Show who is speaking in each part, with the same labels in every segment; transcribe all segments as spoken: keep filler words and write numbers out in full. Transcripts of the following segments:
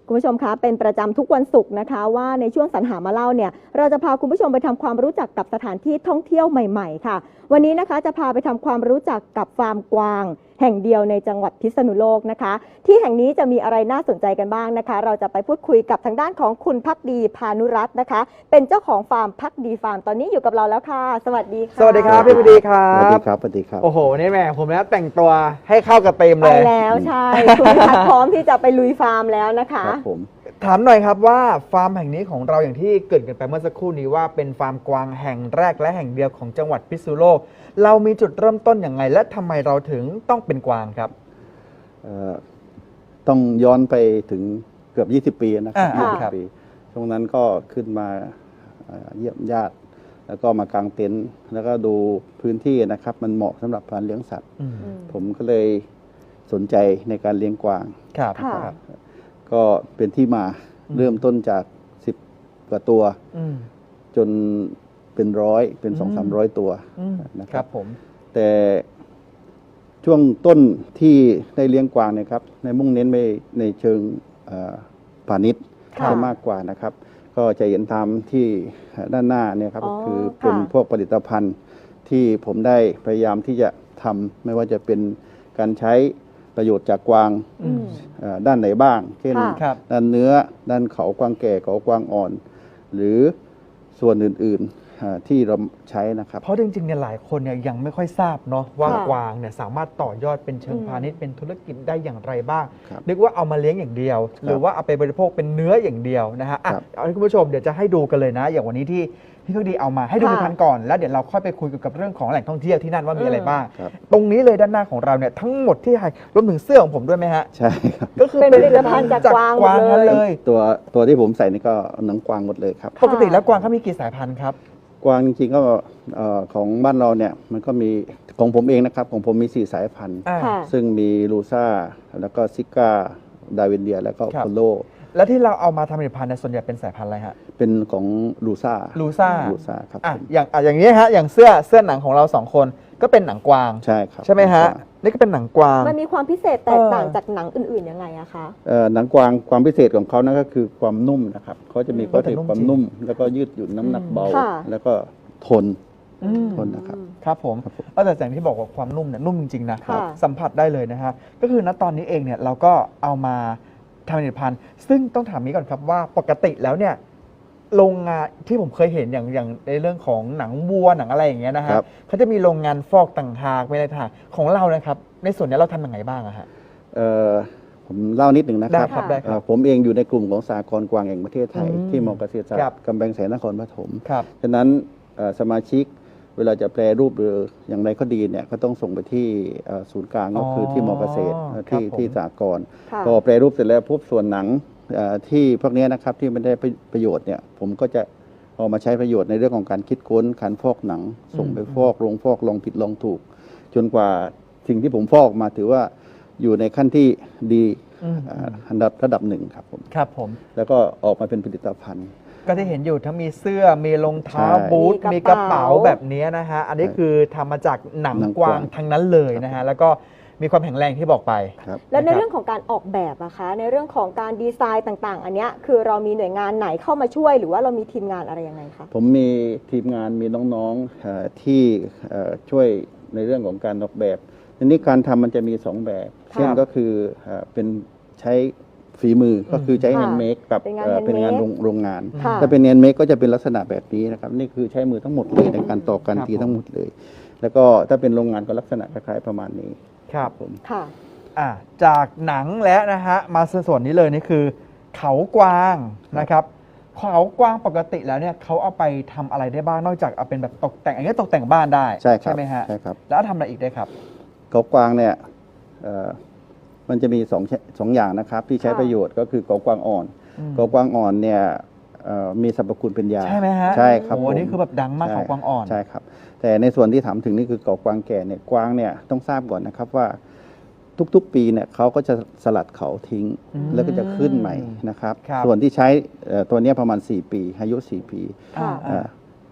Speaker 1: คุณผู้ชมคะเป็นประจำทุกวันศุกร์นะคะว่าในช่วงสรรหามาเล่าเนี่ยเราจะพาคุณผู้ชมไปทำความรู้จักกับสถานที่ท่องเที่ยวใหม่ๆค่ะวันนี้นะคะจะพาไปทำความรู้จักกับฟาร์มกวางแห่งเดียวในจังหวัดพิษณุโลกนะคะที่แห่งนี้จะมีอะไรน่าสนใจกันบ้างนะคะเราจะไปพูดคุยกับทางด้านของคุณภักดีพานุรัตน์นะคะเป็นเจ้าของฟาร์มภักดีฟาร์มตอนนี้อยู่กับเราแล้วค่ะสวัสดีค่ะ
Speaker 2: สวัสดีครับพี่ภักดีครับ
Speaker 3: สวัสดีครับสวัสดีครับ
Speaker 2: โอ้โหนี่แม่ผมแล้วแต่งตัวให้เข้ากับเต็ม
Speaker 1: ไป
Speaker 2: เลย
Speaker 1: แล้วใช่คุณภักพร้อมที่จะไปลุยฟาร์มแล้วนะคะ
Speaker 3: ครับผม
Speaker 2: ถามหน่อยครับว่าฟาร์มแห่งนี้ของเราอย่างที่เกริ่นกันไปเมื่อสักครู่นี้ว่าเป็นฟาร์มกวางแห่งแรกและแห่งเดียวของจังหวัดพิษณุโลกเรามีจุดเริ่มต้นอย่างไรและทำไมเราถึงต้องเป็นกวางครับ
Speaker 3: เอ่อต้องย้อนไปถึงเกือบ ยี่สิบ ปีนะครับ
Speaker 2: อ่า
Speaker 3: ยี่สิบ
Speaker 2: ครับ
Speaker 3: ปีช่วงนั้นก็ขึ้นมาเอ่อเยี่ยมญาติ แล้วก็มากางเต็นท์แล้วก็ดูพื้นที่นะครับ มันเหมาะสำหรับการเลี้ยงสัตว์
Speaker 2: อืม
Speaker 3: ผมก็เลยสนใจในการเลี้ยงกวาง
Speaker 2: ครับ
Speaker 1: ค่ะ
Speaker 2: ครับ
Speaker 3: ก็เป็นที่มา
Speaker 2: อืม
Speaker 3: เริ่มต้นจากสิบกว่าตัว
Speaker 2: อืม
Speaker 3: จนเป็นร้อยเป็น
Speaker 2: อืม
Speaker 3: สองสามร้อยตัว
Speaker 2: อืม
Speaker 3: นะค
Speaker 2: ค
Speaker 3: รั
Speaker 2: รับ บผม
Speaker 3: แต่ช่วงต้นที่ได้เลี้ยงกวางเนี่ยครับในมุ่งเน้นไปในเชิงเอ่อพาณิชย์
Speaker 1: ค่ะ
Speaker 3: จะมากกว่านะครับ ก็จะเห็นตามที่ด้านหน้าเนี่ยครับ
Speaker 1: อ๋อ
Speaker 3: ก็คือเป็น
Speaker 1: ค่ะ
Speaker 3: พวกผลิตภัณฑ์ที่ผมได้พยายามที่จะทำไม่ว่าจะเป็นการใช้ประโยชน์จากกวาง
Speaker 2: อืม
Speaker 3: เอ่อด้านไหนบ้าง เช่น
Speaker 1: ค่ะ
Speaker 2: ครับ
Speaker 3: ด้านเนื้อด้านเขากวางแก่เขากวางอ่อน หรือส่วนอื่นๆอ่าที่เราใช้นะครับ
Speaker 2: เพราะจริงๆเนี่ยหลายคนเนี่ยยังไม่ค่อยทราบเนาะว่า
Speaker 1: ค่ะ
Speaker 2: กวางเนี่ยสามารถต่อยอดเป็นเชิง
Speaker 1: อืม
Speaker 2: พาณิชย์เป็นธุรกิจได้อย่างไรบ้าง
Speaker 3: ครับ
Speaker 2: นึกว่าเอามาเลี้ยงอย่างเดียว หรือว่าเอาไปบริโภคเป็นเนื้ออย่างเดียวนะฮะอ่ะ
Speaker 3: ครับ
Speaker 2: เอาให้คุณผู้ชมเดี๋ยวจะให้ดูกันเลยนะ อย่างวันนี้ที่พี่ภักดีเอามาให้ดู
Speaker 1: ค่ะ
Speaker 2: ในพันก่อนแล้วเดี๋ยวเราค่อยไปคุยเกี่ยวกับเรื่องของแหล่งท่องเที่ยวที่นั่นว่ามีอะไรบ้าง
Speaker 3: ครับ
Speaker 2: ตรงนี้เลยด้านหน้าของเราเนี่ยทั้งหมดที่ให้รวมถึงเสื้อของผมด้วยไหมฮะ
Speaker 3: ใช่ครับ
Speaker 2: ก็คือ
Speaker 1: เป็นผลิตภัณฑ์จากกวางหมดเลย
Speaker 2: ทั้งเลย
Speaker 3: ตัวตัวที่ผมใส่นี่ก็หนังกวางหมดเลยครับ
Speaker 2: ปกติแล้วกวางเขามีกี่สายพันธุ์ครับ
Speaker 3: กวางจริงๆก็เอ่อของบ้านเราเนี่ยมันก็มีของผมเองนะครับของผมมีสี่สายพันธุ์
Speaker 2: อ่า
Speaker 1: ค่ะ
Speaker 3: ซึ่งมีลูซ่าแล้วก็ซิก้าดาวินเดียแล้วก็
Speaker 2: ครับ
Speaker 3: โพโล
Speaker 2: แล้วที่เราเอามาทำผลิตภัณฑ์เนี่ยส่วนใหญ่เป็นสายพันธุ์อะไรฮะ
Speaker 3: เป็นของลูซ่า
Speaker 2: ลูซ่า
Speaker 3: ลูซ่าครับ
Speaker 2: อ่ะ
Speaker 3: ผม
Speaker 2: อย่างอ่ะอย่างนี้ฮะอย่างเสื้อเสื้อหนังของเราสองคนก็เป็นหนังกวาง
Speaker 3: ใช่ครับ
Speaker 2: ใช่ไหมฮะ
Speaker 3: ลูซ่า
Speaker 2: นี่ก็เป็นหนังกวาง
Speaker 1: มันมีความพิเศษแตกต่าง
Speaker 2: เออ
Speaker 1: จากหนังอื่นๆยังไงอะคะ
Speaker 3: เอ่อหนังกวางความพิเศษของเขานั่นก็คือความนุ่มนะครับเขาจะมี
Speaker 1: อืม
Speaker 3: ข้อเสียความนุ่ม แล้วก็ยืดหยุ่นน้ำหนักเบา
Speaker 1: ค่ะ
Speaker 3: แล้วก็ทน
Speaker 2: อืม
Speaker 3: ทนนะครับ
Speaker 2: ครับผม
Speaker 3: ครับผม
Speaker 2: เออแต่อย่างที่บอกว่าความนุ่มเนี่ยนุ่มจริงๆนะ
Speaker 1: ค่ะ
Speaker 2: สัมผัสได้เลยนะฮะก็คือณตอนนี้เองเนี่ยเราก็เอามาทำผลิตภัณฑ์ซึ่งต้องถามนี้ก่อนครับว่าปกติแล้วเนี่ยโรงงานที่ผมเคยเห็นอย่างอย่างในเรื่องของหนังวัวหนังอะไรอย่างเงี้ยนะฮะ
Speaker 3: ครับ
Speaker 2: เขาจะมีโรงงานฟอกต่างหากไม่ได้ต่างหากของเรานะครับในส่วนนี้เราทำยังไงบ้างอะฮะ
Speaker 3: เอ่อผมเล่านิดหนึ่งนะค
Speaker 2: ได้
Speaker 3: รับ
Speaker 2: ครับได้ค
Speaker 3: เอ่
Speaker 2: รั
Speaker 3: อบ ผมเองอยู่ในกลุ่มของสหกรณ์กวางแห่งประเทศไทย
Speaker 2: อืม
Speaker 3: ที่มอเกษตรศาสต
Speaker 2: ครับ
Speaker 3: ร์กำแพงแสนนครปฐม
Speaker 2: ครับ
Speaker 3: ฉะนั้นเอ่อสมาชิกเวลาจะแปรรูปหรืออย่างไรก็ดีเนี่ยก็ต้องส่งไปที่เอ่อศูนย์กลางก็คือที่มอเกษตร
Speaker 2: อ๋อ
Speaker 3: เอ่อที่
Speaker 2: ครับผม
Speaker 3: ที่สหกรณ์
Speaker 1: ค่ะ
Speaker 3: พอแปรรูปเสร็จแล้วพบส่วนหนังเอ่อที่พวกเนี้ยนะครับที่ไม่ได้ประโยชน์เนี่ยผมก็จะเอามาใช้ประโยชน์ในเรื่องของการคิดค้นการฟอกหนัง ส่งไปฟอกลงฟอกลองผิดลองถูก จนกว่าสิ่งที่ผมฟอกมาถือว่าอยู่ในขั้นที่ดี
Speaker 2: อืม
Speaker 3: อ่าอันดับระดับหนึ่งครับผม
Speaker 2: ครับผม
Speaker 3: แล้วก็ออกมาเป็นผลิตภัณฑ์
Speaker 2: ก็จะเห็นอยู่ทั้งมีเสื้อมีรองเท้า
Speaker 3: ใช่
Speaker 2: บูท
Speaker 1: มี
Speaker 2: มี
Speaker 1: ก
Speaker 2: ก
Speaker 1: ระ
Speaker 2: ระ
Speaker 1: เป๋า
Speaker 2: เป๋าแบบนี้นะฮะอันนี้
Speaker 3: ใช่
Speaker 2: คือทำมาจากหนัง
Speaker 3: หนัง
Speaker 2: กวาง
Speaker 3: กวาง
Speaker 2: ทั้งนั้นเลยนะฮะแล้วก็มีความแข็งแรงที่บอกไป
Speaker 3: ครับ
Speaker 1: แล้วใน
Speaker 2: นะครับ
Speaker 1: เรื่องของการออกแบบอะคะ ในเรื่องของการดีไซน์ต่างๆ อันเนี้ยคือเรามีหน่วยงานไหนเข้ามาช่วย หรือว่าเรามีทีมงานอะไรยังไงคะ
Speaker 3: ผมมีทีมงานมีน้องๆเอ่อที่เอ่อช่วยในเรื่องของการออกแบบทีนี้การทำมันจะมีสองแบบ
Speaker 2: ครับ
Speaker 3: เช่นก็คือเอ่อเป็นใช้ฝีมือก็คือใช้
Speaker 1: ค่ะ
Speaker 3: แฮนด์เมดกับ
Speaker 1: เป็นงาน
Speaker 3: เอ่อเป็นงาน
Speaker 1: handmade
Speaker 3: โรงโรงงาน
Speaker 1: ค่ะ
Speaker 3: ถ้าเป็นแฮนด์เมดก็จะเป็นลักษณะแบบนี้นะครับนี่คือใช้มือทั้งหมดเลยในการตอกการตีทั้งหมดเลย แล้วก็ถ้าเป็นโรงงานก็ลักษณะคล้ายๆประมาณนี้
Speaker 2: ครับ
Speaker 3: ผม
Speaker 1: ค่ะ
Speaker 2: อ่ะจากหนังแล้วนะฮะมาส่วนนี้เลยนี่คือ เขากวางนะครับเขากวางปกติแล้วเนี่ยเขาเอาไปทำอะไรได้บ้างนอกจากเอาเป็นแบบตกแต่งอันนี้ตกแต่งบ้านได้
Speaker 3: ใช่ครับ
Speaker 2: ไหมฮะ
Speaker 3: ใช่ครับ
Speaker 2: แล้วเอาทำอะไรอีกได้ครับ
Speaker 3: เขากวางเนี่ยเอ่อมันจะมีสองสองอย่างนะครับที่ใช้
Speaker 1: ค่ะ
Speaker 3: ประโยชน์ก็คือเขากวางอ่อน
Speaker 2: อืม
Speaker 3: เขากวางอ่อนเนี่ยเอ่อมีสรรพคุณเป็นยา
Speaker 2: ใช่ไหมฮะ
Speaker 3: ใช่ครับ
Speaker 2: โอ้โห
Speaker 3: ผม
Speaker 2: นี่คือแบบดังมาก
Speaker 3: ใช่
Speaker 2: เขากวางอ่อน
Speaker 3: ใช่ครับ แต่ในส่วนที่ถามถึงนี่คือเขากวางแก่เนี่ยกวางเนี่ยต้องทราบก่อนนะครับว่าทุกๆปีเนี่ยเขาก็จะสลัดเขาทิ้ง
Speaker 2: อืม
Speaker 3: แล้วก็จะขึ้นใหม่นะครับ
Speaker 2: ครับ
Speaker 3: ส่วนที่ใช้เอ่อตัวเนี้ยประมาณสี่ปีอายุสี่ปี
Speaker 1: ค่ะ
Speaker 2: อ่า
Speaker 3: อ่า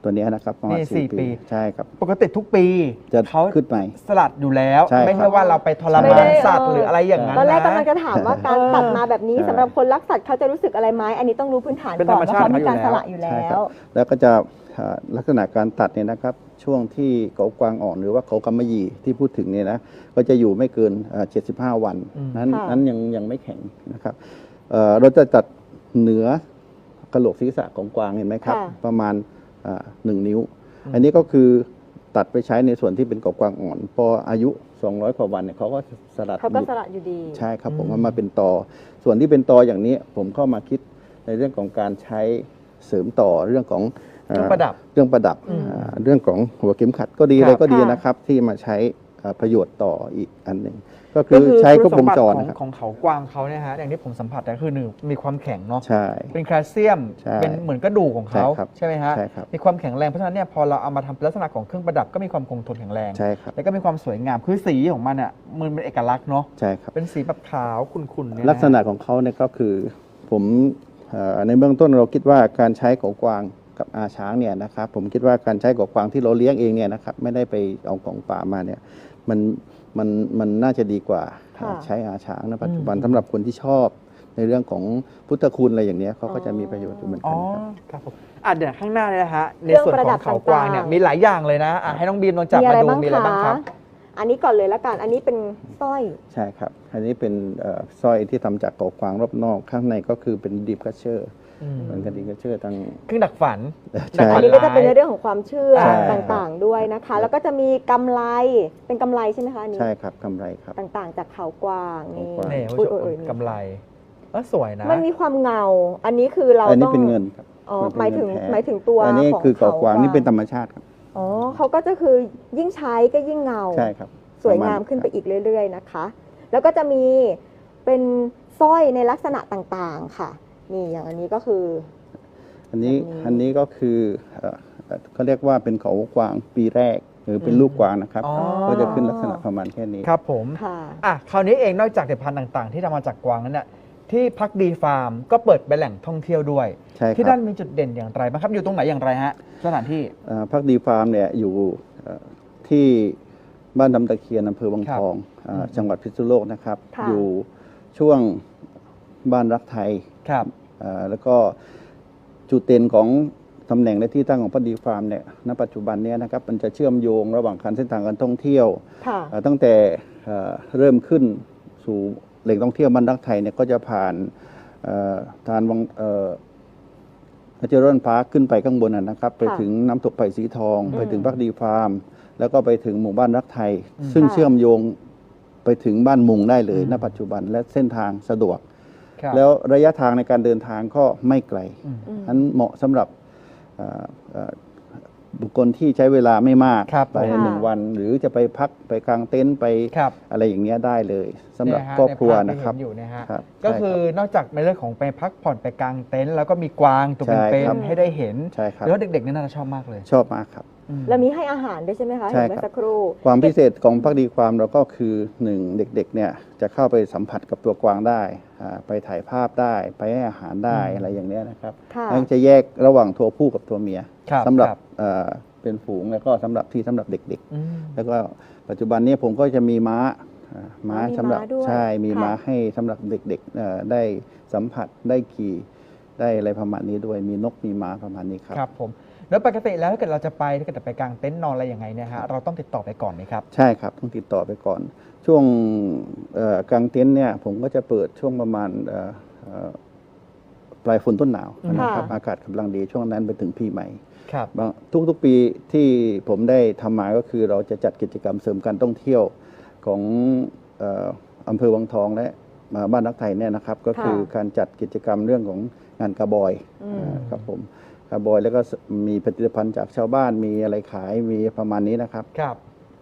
Speaker 3: ตัวเนี้ยนะครับประมาณ
Speaker 2: นี่
Speaker 3: สี่
Speaker 2: สี่ปี
Speaker 3: ปีใช่ครับ
Speaker 2: ปกติทุกปี
Speaker 3: จะ
Speaker 2: เขา
Speaker 3: ขึ้นใหม่
Speaker 2: สลัดอยู่แล้ว
Speaker 3: ใช่ครับ
Speaker 2: ไม่ใช่ว่าเราไปทร
Speaker 1: ไม่
Speaker 2: มา
Speaker 1: ได้
Speaker 2: นสัตว์
Speaker 1: เออ
Speaker 2: หรืออะไรอย่างนั้น
Speaker 1: ตอนแรก
Speaker 2: นะ
Speaker 1: กำลังจะถามว่าการ
Speaker 2: เออ
Speaker 1: ตัดมาแบบนี้
Speaker 3: ใช่
Speaker 1: สำหรับคนรักสัตว์เขาจะรู้สึกอะไรไหมอันนี้ต้องรู้พื้นฐาน
Speaker 2: เป็น
Speaker 1: ก่อน
Speaker 2: ธรรม
Speaker 1: ว่า
Speaker 2: ชาติ
Speaker 1: เขามีการ
Speaker 2: เขาอยู่
Speaker 1: ส
Speaker 2: แล้ว
Speaker 1: ละอยู่
Speaker 3: ใช่
Speaker 1: แล้
Speaker 3: ครั
Speaker 1: ว
Speaker 3: บแล้วก็จะอ่าลักษณะการตัดเนี่ยนะครับช่วงที่เขากวางอ่อนหรือว่าเขากำมะหยี่ที่พูดถึงเนี่ยนะก็จะอยู่ไม่เกินอ่าเจ็ดสิบห้าวัน
Speaker 2: อืม
Speaker 3: นั้น
Speaker 1: ค่ะ
Speaker 3: นั้นยังยังไม่แข็งนะครับเอ่อเราจะตัดเหนือกระโหลกศีรษะของกวางเห็นไหมครับ
Speaker 1: ค่ะ
Speaker 3: ประมาณอ่าหนึ่งนิ้ว อันนี้ก็คือตัดไปใช้ในส่วนที่เป็นกวางอ่อนพออายุสองร้อยกว่าวันเนี่ยเขาก็สลัด
Speaker 1: เขาก็
Speaker 3: หลุด
Speaker 1: สละอยู่ดี
Speaker 3: ใช่ครับผม
Speaker 2: อืม
Speaker 3: มันมาเป็นตอ ส่วนที่เป็นตออย่างนี้ผมเข้ามาคิดในเรื่องของการใช้เสริมต่อเรื่องของ
Speaker 2: เครื่องประดับ
Speaker 3: เรื่องประดับ
Speaker 2: อืม
Speaker 3: อ่าเรื่องของหัวเข็มขัดก็ดี
Speaker 2: ครับ
Speaker 3: อะไรก็ดี
Speaker 1: ค่ะ
Speaker 3: นะครับที่มาใช้อ่าประโยชน์ต่ออีกอันหนึ่งก็
Speaker 2: ก็
Speaker 3: คือใช้ครบ
Speaker 2: ณ
Speaker 3: วงจร
Speaker 2: สม
Speaker 3: นะครับ
Speaker 2: ติของของเขากวางเขาเนี่ยฮะอย่างที่ผมสัมผัสก็คือหนึ่งมีความแข็งเนาะ
Speaker 3: ใช่
Speaker 2: เป็นแคลเซียม
Speaker 3: ใช่
Speaker 2: เป็นเหมือนกระดูกของเขา
Speaker 3: ใช่ครับ
Speaker 2: ใช่ไหมฮะ
Speaker 3: ใช่ครับ
Speaker 2: มีความแข็งแรงเพราะฉะนั้นเนี่ยพอเราเอามาทำเป็นลักษณะของเครื่องประดับก็มีความคงทนแข็งแรง
Speaker 3: ใช่ครับ
Speaker 2: แล้วก็มีความสวยงามคือสีของมันอ่ะมันเป็นเอกลักษณ์เนาะ
Speaker 3: ใช่ครับ
Speaker 2: เป็นสีแบบขาวขุ่นๆเนี่ยน
Speaker 3: ลักษณะของเขาเนี่ยก็คือผมเอ่อในเบื้องต้นเราคิดว่าการใช้ของกวางกับอาช้างเนี่ยนะครับผมคิดว่าการใช้ของกวางที่เราเลี้ยงเองเนี่ยนะครับไม่ได้ไปเอาของป่ามาเนี่ยมันมันมันน่าจะดีกว่า
Speaker 1: ค่ะ
Speaker 3: ใช้อาช้างในปัจจุบันสำหรับคนที่ชอบในเรื่องของพุทธคุณอะไรอย่างเนี้ยเขาก็จะมีประโยชน์อยู่เหมือน
Speaker 2: อ๋
Speaker 3: กั
Speaker 2: อน
Speaker 3: ครับ
Speaker 2: ครับผมอ่ะเดี๋ยวข้างหน้าเนี่ยนะฮะใน
Speaker 1: เครื่อง
Speaker 2: ส่วน
Speaker 1: ประ
Speaker 2: ข
Speaker 1: ดั
Speaker 2: อบ งเขากวางเนี่ย
Speaker 1: ต่างๆ
Speaker 2: มีหลายอย่างเลยนะอ่ะให้น้องบีมลองจับ
Speaker 1: มี
Speaker 2: มา
Speaker 1: อะไร
Speaker 2: ดู
Speaker 1: บ้าง
Speaker 2: มีอะไรบ้างค
Speaker 1: คะ
Speaker 2: รับ
Speaker 1: อันนี้ก่อนเลยละกัน อันนี้เป็นสร้อย
Speaker 3: ใช่ครับ อันนี้เป็นเอ่อสร้อยที่ทำจากของกวางรอบนอกข้างในก็คือเป็นดีฟกัชเชอร์
Speaker 2: อืม
Speaker 3: เหมือนกับดีฟกัชเชอร์ทาง
Speaker 2: เครื่องดักฝัน
Speaker 3: ใช่
Speaker 1: อันนี้ก็จะเป็นในเรื่องของความเชื่อ
Speaker 3: ใช่
Speaker 1: ต่างๆด้วยนะคะ แล้วก็จะมีกำไร เป็นกำไรใช่ไหมคะอันนี้
Speaker 3: ใช่ครับกำไรครับ
Speaker 1: ต่างๆ จากเขากวางนี่
Speaker 3: เขากวาง
Speaker 2: เนี่ยคุณ
Speaker 1: อุ๊
Speaker 2: ผู้
Speaker 1: ย
Speaker 2: ช
Speaker 1: อุ๊ย
Speaker 2: ม
Speaker 1: อุ๊ย
Speaker 2: กำไรเออสวยนะ
Speaker 1: มันมีความเงา อันนี้คือเรา
Speaker 3: อันนี้
Speaker 1: ต้อง
Speaker 3: เป็นเงินครับ
Speaker 1: อ๋อ
Speaker 3: มันเป็น
Speaker 1: หมายถึง
Speaker 3: เงินแท้
Speaker 1: หมายถึงตัว
Speaker 3: อันนี้
Speaker 1: ของ
Speaker 3: คือเขากวางนี่เป็นธรรมชาติครับ
Speaker 1: อ๋อเขาก็จะคือยิ่งใช้ก็ยิ่งเงา
Speaker 3: ใช่ครับ
Speaker 1: สวยงามขึ้นไปอีกเรื่อยๆนะคะ แล้วก็จะมีเป็นสร้อยในลักษณะต่างๆค่ะ นี่อย่างอันนี้ก็คือ
Speaker 3: อันนี้
Speaker 1: แบบนี้
Speaker 3: อันนี้ก็คือเอ่อเอ่อเขาเรียกว่าเป็นเขากวางปีแรก หรือเป็นลูกกวางนะครับ
Speaker 2: อ๋อ
Speaker 3: ก็จะขึ้นลักษณะประมาณแค่นี้
Speaker 2: ครับผม
Speaker 1: ค่ะ
Speaker 2: อ่ะคราวนี้เองนอกจากเด็ดพันธุ์ต่างๆ ที่ทำมาจากกวางนั้นเนี่ยที่พักดีฟาร์มก็เปิดเป็นแหล่งท่องเที่ยวด้วย
Speaker 3: ใช่ค
Speaker 2: ที่
Speaker 3: รั
Speaker 2: นั่
Speaker 3: บ
Speaker 2: นมีจุดเด่นอย่างไรบ้างครับ อยู่ตรงไหนอย่างไรฮะสถานที่
Speaker 3: เอ่อพักดีฟาร์มเนี่ยอยู่เอ่อที่บ้านดำตะเคียนอำเภอวังทองเอ่อ
Speaker 2: อืม
Speaker 3: จังหวัดพิษณุโลกนะครับ
Speaker 1: ค่ะ
Speaker 3: อยู่ช่วงบ้านรักไทย
Speaker 2: ครับ
Speaker 3: เอ่อแล้วก็จุดเด่นของตำแหน่งและที่ตั้งของพักดีฟาร์มเนี่ยณปัจจุบันเนี้นะครับมันจะเชื่อมโยงระหว่างการเส้นทางการท่องเที่ยว
Speaker 1: ค่ะ
Speaker 3: เอ่อตั้งแต่เอ่อเริ่มขึ้นสู่แหล่งท่องเที่ยวบ้านรักไทยเนี่ยก็จะผ่านเอ่อทานวังเอ่อเจริญพาร์คขึ้นไปข้างบนนะนะครับ ไปถึงน้ำตกไผ่สีทอง
Speaker 1: อืม
Speaker 3: ไปถึงพักดีฟาร์ม แล้วก็ไปถึงหมู่บ้านรักไทย
Speaker 2: อืม
Speaker 3: ซึ่ง
Speaker 1: ค่ะ
Speaker 3: เชื่อมโยงไปถึงบ้านมุงได้เลย
Speaker 2: อืม
Speaker 3: ณปัจจุบันและเส้นทางสะดวก
Speaker 2: ครับ
Speaker 3: แล้วระยะทางในการเดินทางก็ไม่ไกล
Speaker 2: อืม
Speaker 1: อืม
Speaker 3: นั้นเหมาะสำหรับเอ่อเอ่อบุคคลที่ใช้เวลาไม่มาก
Speaker 2: ครับ
Speaker 3: ไปในหนึ่ง
Speaker 1: ค่ะ
Speaker 3: วัน หรือจะไปพักไปกางเต็นท์ไป
Speaker 2: ครับ
Speaker 3: อะไรอย่างเงี้ยได้เลยสำหรับ
Speaker 2: เนี่ยฮะ
Speaker 3: ครอบครัว
Speaker 2: ใน
Speaker 3: นะ
Speaker 2: ภาพที่
Speaker 3: ครับ
Speaker 2: เห็อยู่นะฮะ
Speaker 3: ครับ
Speaker 2: ก็
Speaker 3: ใช่
Speaker 2: คือ
Speaker 3: รับ
Speaker 2: นอกจากในเรื่องของไปพักผ่อนไปกางเต็นท์แล้วก็มีกวางตัว
Speaker 3: ใช่
Speaker 2: เป็น
Speaker 3: ครับ
Speaker 2: ๆให้ได้เห็น
Speaker 3: ใช่ครับ
Speaker 2: แล้วเด็กๆเนี่ยน่าจะชอบมากเลย
Speaker 3: ชอบมากครับ
Speaker 2: อืม
Speaker 1: แล้วมีให้อาหารด้วยใช่ไหมคะ
Speaker 3: ใช่
Speaker 1: เห็นเมื่อ
Speaker 3: ครับ
Speaker 1: สักครู่
Speaker 3: ความพิเศษของพักดีความเราก็คือหนึ่งเด็กๆเนี่ยจะเข้าไปสัมผัสกับตัวกวางได้อ่าไปถ่ายภาพได้ไปให้อาหารได้
Speaker 2: อืม
Speaker 3: อะไรอย่างเนี้ยนะครับ
Speaker 1: ค่ะ
Speaker 3: แล้วจะแยกระหว่างตัวผู้กับตัวเมีย
Speaker 2: ครับ
Speaker 3: สำหรับ
Speaker 2: ครับ
Speaker 3: เอ่อเป็นฝูงแล้วก็สำหรับที่สำหรับเด็ก
Speaker 2: อืม
Speaker 3: ๆ แล้วก็ปัจจุบันนี้ผมก็จะมีม้าอ่าม้า
Speaker 1: อ๋อมี
Speaker 3: สำหรับ
Speaker 1: ม้าด้วย
Speaker 3: ใช่มี
Speaker 1: ค่ะ
Speaker 3: ม้าให้สำหรับเด็กๆเอ่อได้สัมผัสได้ขี่ได้อะไรประมาณนี้ด้วยมีนกมีม้าประมาณนี้ครับ
Speaker 2: ครับผมแล้วปกติแล้วถ้าเกิดเราจะไปถ้าเกิดจะไปกางเต็นท์นอนอะไรยังไงเนี่ยฮะเราต้องติดต่อไปก่อนไหมครับ
Speaker 3: ใช่ครับต้องติดต่อไปก่อน ช่วงเอ่อกลางเต็นท์เนี่ยผมก็จะเปิดช่วงประมาณเอ่อเอ่อปลายฝนต้นหนาว
Speaker 2: อืม
Speaker 3: นะครับ
Speaker 1: ค่ะ
Speaker 3: อากาศกำลังดีช่วงนั้นไปถึงปีใหม่
Speaker 2: ครับ
Speaker 3: บางทุกๆปีที่ผมได้ทำมาก็คือเราจะจัดกิจกรรมเสริมการท่องเที่ยวของเอ่ออำเภอวังทองและมาบ้านรักไทยเนี่ยนะครับ ก็คือ
Speaker 1: ค่ะ
Speaker 3: การจัดกิจกรรมเรื่องของงานกระบอย
Speaker 1: อืม
Speaker 3: อ่าครับผมกระบอยแล้วก็มีผลิตภัณฑ์จากชาวบ้านมีอะไรขายมีประมาณนี้นะครับ
Speaker 2: ครับ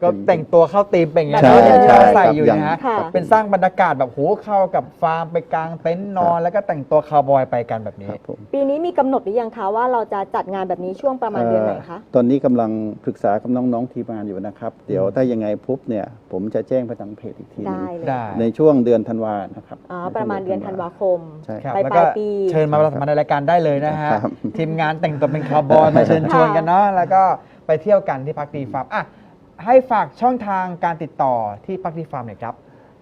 Speaker 2: ก็แต่งตัวเข้าธีมเป็นอย่างนี้
Speaker 1: ใช่
Speaker 2: นะที่
Speaker 1: ใช่
Speaker 2: เราใส่อยู่
Speaker 3: ครับ
Speaker 2: นะฮะ
Speaker 1: ค่ะ
Speaker 2: เป็นสร้างบรรยากาศแบบโหเข้ากับฟาร์มไปกลางเต็นท์นอน แล้วก็แต่งตัวคาวบอยไปกันแบบนี้
Speaker 3: ครับผม
Speaker 1: ปีนี้มีกำหนดหรือยังคะว่าเราจะจัดงานแบบนี้ช่วงประมาณเดือนไหนคะ
Speaker 3: เอ่อตอนนี้กำลังปรึกษากับน้องๆทีมงานอยู่นะครับ เดี๋ยวถ้ายังไงปุ๊บเนี่ยผมจะแจ้งไปทางเพจอีกทีหนึง
Speaker 1: ได้เลย
Speaker 2: ได้
Speaker 3: ในช่วงเดือนธันวานะครับ
Speaker 1: อ๋อประมาณเดือนธันวาคม
Speaker 3: ใช่
Speaker 2: ค
Speaker 3: ค
Speaker 2: รั
Speaker 3: รั
Speaker 2: บบ แล้ว
Speaker 1: ป
Speaker 2: ก็
Speaker 1: ลายปี
Speaker 2: เชิญมาประชาสัมพันธ์ในรายการได้เลยนะฮะ
Speaker 3: ครับ
Speaker 2: ทีมงานแต่งตัวเป็นคาวบอยมาเชิญชวนกันเนาะแล้วก็ไปเที่ยวกันที่พักดีฟาร์มอ่ะให้ฝากช่องทางการติดต่อที่พักดีฟาร์มหน่อยครับ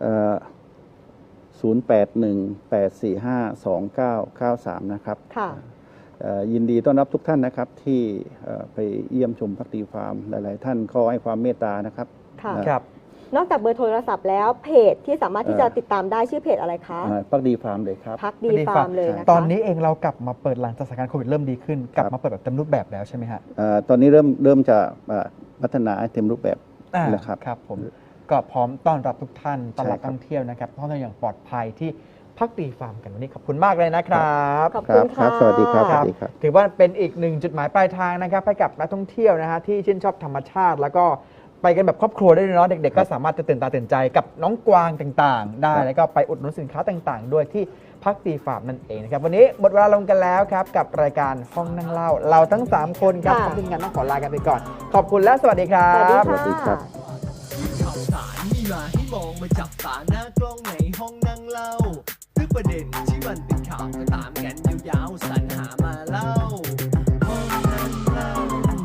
Speaker 3: ศูนย์แปดหนึ่งแปดสี่ห้าสองเก้าเก้าสามนะครับ
Speaker 1: ค่ะ
Speaker 3: เอ่อยินดีต้อนรับทุกท่านนะครับที่เอ่อไปเยี่ยมชมพักดีฟาร์มหลาย ๆ ท่านก็ให้ความเมตตานะครับ
Speaker 1: ค่ะ
Speaker 3: นะ
Speaker 2: ครับ
Speaker 1: นอกจากเบอร์โทรศัพท์แล้วเพจที่สามารถที่จะติดตามได้ชื่อเพจอะไรคะ
Speaker 3: อ่าพักดีฟาร์มเลยครับ
Speaker 1: พักดีฟาร์มเลยนะคะ
Speaker 2: ตอนนี้เองเรากลับมาเปิดหลังจากสถานการณ์โควิดเริ่มดีขึ้น กลับมาเปิดแบบเต็มรูปแบบแล้วใช่ไหมฮะ
Speaker 3: เอ่อตอนนี้เริ่มเริ่มจะอ่าพัฒนาให้เต็มรูปแบบ
Speaker 2: อ่า
Speaker 3: แล้วครับ
Speaker 2: ครับผมก็พร้อมต้อนรับทุกท่านต้อนรับ
Speaker 3: ใช่ครับ
Speaker 2: ท่องเที่ยวนะครับท่องเที่ยวอย่างปลอดภัยที่พักดีฟาร์มกันวันนี้ขอบคุณมากเลยนะครับ
Speaker 1: ขอบ
Speaker 3: ค
Speaker 1: คุ
Speaker 3: รั
Speaker 1: ณ
Speaker 3: บครั
Speaker 1: ค่ะ
Speaker 3: บสวัสดีครับส
Speaker 2: ครั
Speaker 3: วั
Speaker 2: บ
Speaker 3: สดีครับ
Speaker 2: ถือว่าเป็นอีกหนึ่งจุดหมายปลายทางนะครับให้กับนักท่องเที่ยวนะฮะที่ชื่นชอบธรรมชาติ แล้วก็ไปกันแบบครอบครัวได้เลยเนาะเด็กๆ ก็สามารถจะตื่นตาตื่นใจกับน้องกวางต่างๆ ได้
Speaker 3: ครับ
Speaker 2: แล้วก็ไปอุดหนุนสินค้าต่างๆ ด้วยที่พักดีฟาร์มนั่นเองนะครับวันนี้หมดเวลาลงกันแล้วครับกับรายการห้องนั่งเล่าเราทั้งสามคนครับ
Speaker 1: ค่ะ
Speaker 2: ขอบคุณกันต้องขอลากันไปก่อน ขอบคุณและสวัสดีครั
Speaker 1: สวัสดี
Speaker 2: บ
Speaker 3: สวัสดีครั
Speaker 1: ค่ะ
Speaker 3: บ
Speaker 4: ข่าวสารมีมาให้มองมาจับตาหน้ากล้องในห้องนั่งเล่าทุกประเด็นที่มันเป็นข่าวก็ตามกันยาวๆสรรหามาเล่าห้องนั่งเล่า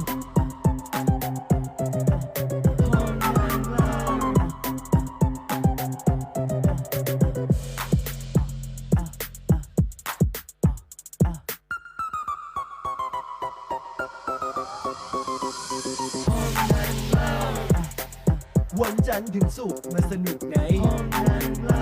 Speaker 4: ห้องนั่งเล่าวันจันทร์ถึงศุกร์มาสนุกในห้องนั่งเล่า